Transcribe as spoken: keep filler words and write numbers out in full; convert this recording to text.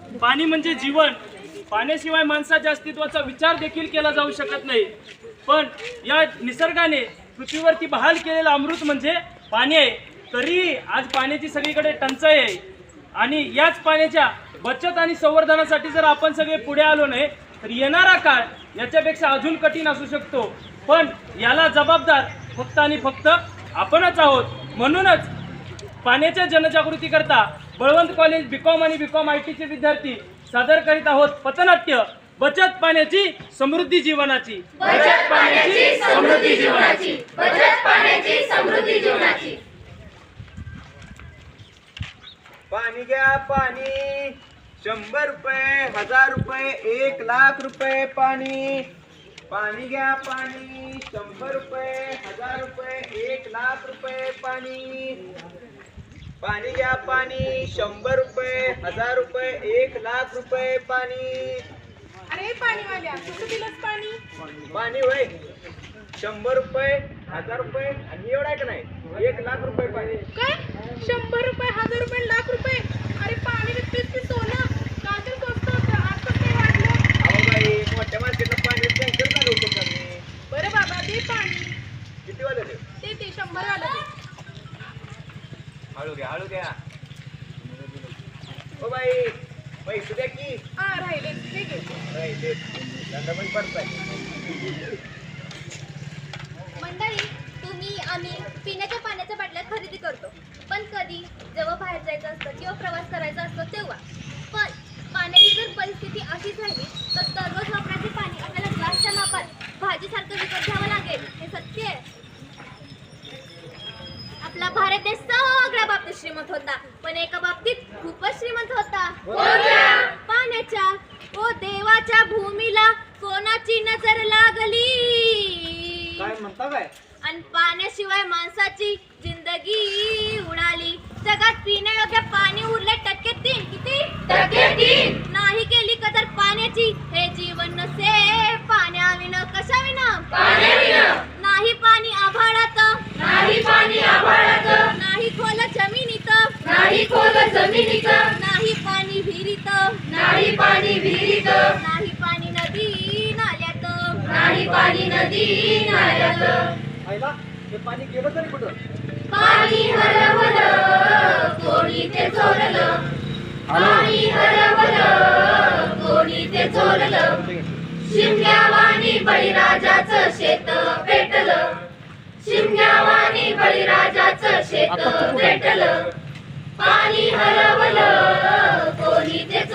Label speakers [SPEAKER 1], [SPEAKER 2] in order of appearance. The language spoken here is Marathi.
[SPEAKER 1] पाणी म्हणजे जीवन. पाण्याशिवाय माणसाच्या अस्तित्वाचा विचार देखील केला जाऊ शकत नाही. पण या निसर्गाने पृथ्वीवरती बहाल केलेलं अमृत म्हणजे पाणी आहे. तरी आज पाण्याची सगळीकडे टंचाई आहे. आणि याच पाण्याच्या बचत आणि संवर्धनासाठी जर आपण सगळे पुढे आलो नाही तर येणारा काळ याच्यापेक्षा अजून कठीण असू शकतो. पण याला जबाबदार फक्त आणि फक्त आपणच आहोत. म्हणूनच पाण्याच्या जनजागृती करता बळवंत कॉलेज बीकॉम आणि बीकॉम आय टीचे विद्यार्थी सादर करीत आहोत पथनाट्य बचत पाण्याची समृद्धी जीवनाची.
[SPEAKER 2] बचत पाण्याची समृद्धी जीवनाची. बचत पाण्याची समृद्धी जीवनाची.
[SPEAKER 3] पाणी घ्या पाणी, शंभर रुपये, हजार रुपये, एक लाख रुपये पाणी. पाणी घ्या पाणी, शंभर रुपये, हजार रुपये, एक लाख रुपये पाणी. पाणी घ्या पाणी, शंभर रुपये, हजार रुपये, एक लाख रुपये पाणी.
[SPEAKER 4] अरे पाणीवाल्या कुठं दिलंस पाणी?
[SPEAKER 3] पाणी होय, शंभर रुपये, हजार रुपये आणि एवढा का नाही एक लाख रुपये पाणी.
[SPEAKER 4] काय शंभर रुपये, हजार रुपये, लाख रुपये? अरे पाणी विकतेस की सोनं? का तर स्वस्त होतं, आता ते वाढलं.
[SPEAKER 3] अहो बाई, मोठ्या मार्केटला पाणी टँकर चालवतो का मी.
[SPEAKER 4] बरं बाबा दे पाणी.
[SPEAKER 3] किती वाजले ते?
[SPEAKER 4] ते ते शंभर वाला दे.
[SPEAKER 3] हळू घ्या हळू घ्या. ओ बाई पैसे द्या की.
[SPEAKER 4] हा राहिले हे घे.
[SPEAKER 3] राहिले धंदा पण पडताय.
[SPEAKER 2] मंडळी, तुम्ही आम्ही पिण्याच्या पाण्याच्या बाटल्या खरेदी करतो. पण कधी जेव्हा बाहेर जायचं असतं किंवा प्रवास करायचा असतो तेव्हा. पण पाण्याची जर परिस्थिती अशी झाली तर दररोज वापरायचे पाणी आपल्याला ग्लासच्या मापात भाजीसारखं विकत घ्यावं लागेल. हे सत्य आहे. आपला भारत देश सगळ्या बाबतीत श्रीमंत होता, पण एका बाबतीत खूपच श्रीमंत होता. पाण्याच्या. ओ देवाच्या भूमीला कोणाची नजर लागली.
[SPEAKER 3] काय म्हणता काय?
[SPEAKER 2] आणि पाण्याशिवाय माणसाची जिंदगी उडाली. जगात पिण्यायोग्य पाणी उरले टक्के तीन. किती टक्के तीन. नाही केली कदर पाण्याची हे जीवन नसे. पाण्याविना कशाविना पाण्याविना. नाही पाणी आभाळात. नाही पाणी आभाळात. नाही खोल जमिनीत. नाही खोल जमिनीत. नाही पाणी विहिरीत. नाही पाणी विहिरीत. नाही पाणी नदी नाल्यात. नाही पाणी नदी नाल्यात.
[SPEAKER 3] आईला हे पाणी गेलं तरी कुठं?
[SPEAKER 2] पाणी हरवलं कोणी ते चोरलं. पाणी हरवलं कोणी ते चोरलं. शिमग्यावानी बळीराजाचं शेत पेटलं. शिमग्यावानी बळीराजाचं शेत पेटलं. पाणी हरवलं कोणी ते